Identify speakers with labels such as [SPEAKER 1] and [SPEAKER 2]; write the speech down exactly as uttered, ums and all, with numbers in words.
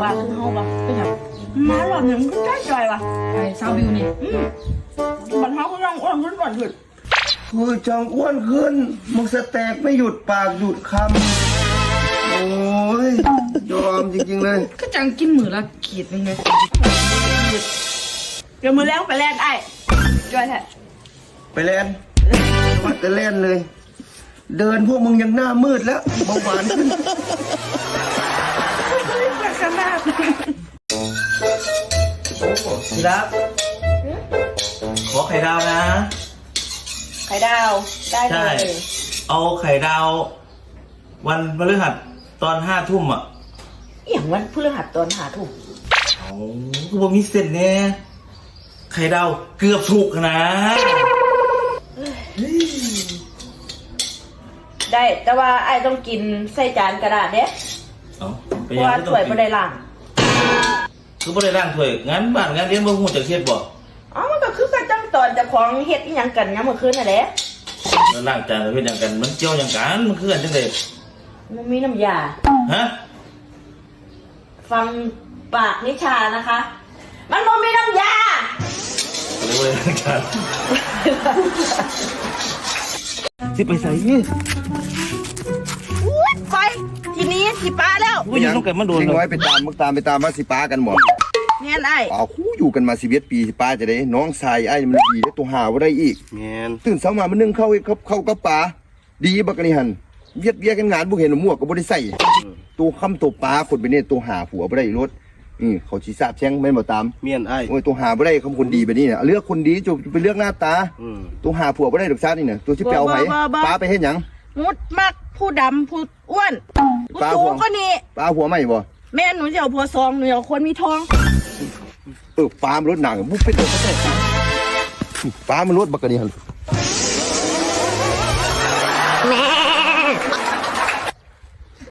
[SPEAKER 1] ว่าคือเฮาปะก็อย่างมาหล่อนหนึ่งก็ได้ใจว่ะไอ้ซาวบิวนี่อืมบันเฮาก็ยังอ้วนขึ้นก่อนขึ้น
[SPEAKER 2] คือจังอ้วนขึ้นมึงสแต็กไม่หยุดปากหยุดคำโอ้ยยอมจริงๆเลย
[SPEAKER 1] ก็จังกินมือละขีดนึงไงเดี๋ยวมือแรงไปแลนไอ้จอยแท้
[SPEAKER 2] ไปแลนวัดแต่แลนเลยเดินพวกมึงยังหน้ามืดแล้วเบาหวานขึ้น
[SPEAKER 1] ขนาด
[SPEAKER 3] ทีรักขอไข่ดาวนะ
[SPEAKER 1] ไข่ดาวได้เลย
[SPEAKER 3] เอาไข่ดาววันพฤหัสตอนห้าทุ่มอ่ะ
[SPEAKER 1] อย่างวันพฤหัสตอนหาทุ่ม
[SPEAKER 3] เอาคือว่ามีเส้นเนี่ยไข่ดาวเกือบถูกนะ
[SPEAKER 1] ได้แต่ว่าไอ้ต้องกินใส่จานกระดาษเด้เพราะว่าถ้วยไม่ได้ล้าง
[SPEAKER 3] คือไม่ได้ล้างถ้วยงั้นบ้านงั้นเลี้ยงบ่หูจะเครียดบ่
[SPEAKER 1] อ๋อมันก็คือการจังตอนจะของเฮ็ดอีหยังกันเนี่ยเมื่อคืนน่ะแหละ
[SPEAKER 3] แล้วล้างจานแล้วเฮ็ดหยังกันมันเกี่ยวหยังกันมันคือกันจังได๋
[SPEAKER 1] มันมีน้ำยา
[SPEAKER 3] ฮะ
[SPEAKER 1] ฟังปากนิชานะคะมันบ่มีน้ำยา
[SPEAKER 3] เรียกว่าล้างจานสิไปใส่นี่
[SPEAKER 1] อุ๊ยไปทีนี้สิป้าแล้ว
[SPEAKER 3] กูอยู่ต้องกันมันโดน
[SPEAKER 2] ทิ้งไว้ไปตามมึงตามไปตามมาสิป้ากันหมด
[SPEAKER 1] แม่นไอ้
[SPEAKER 2] ป่าคู่อยู่กันมาสิบเอ็ดปีสิป้าจะได้น้องชายไอ้มันดีแล้วตัวหาว่าได้อีก
[SPEAKER 3] แม่น
[SPEAKER 2] ตื่นเช้ามามันนึ่งเข้าเข้าเข้ากับป่าดีบักนี่หันเวียดเวียกันงานบุเห็นหมวกก็บ่ได้ใส่ตัวคำตัวปลาคนไปเนี่ยตัวหาผัวบ่ได้รถอือเขาชี้ทราบแช่งแม่นบ่ตาม
[SPEAKER 3] เมียนไอ้
[SPEAKER 2] โอ้ยตัวหาบ่ได้คำคนดีแบบนี้เนี่ยเลือกคนดีจะไปเลือกหน้าตาตัวหาผัวบ่ได้ดอกซ่านี่เนี่ยตัวสิไปเอาไผปลาไปเฮ็ดหยัง
[SPEAKER 1] มุดมักผู้ดำผู้อ้วนผู้สูงก็นี่
[SPEAKER 2] ปลาผัวใหม่บ่
[SPEAKER 1] แม่หนูจะเอาผัวซองหนูเอาคนมีทอง
[SPEAKER 2] เออปลามันรถหนังบุกไปเถอะปลามันรถบักกะนี่หัน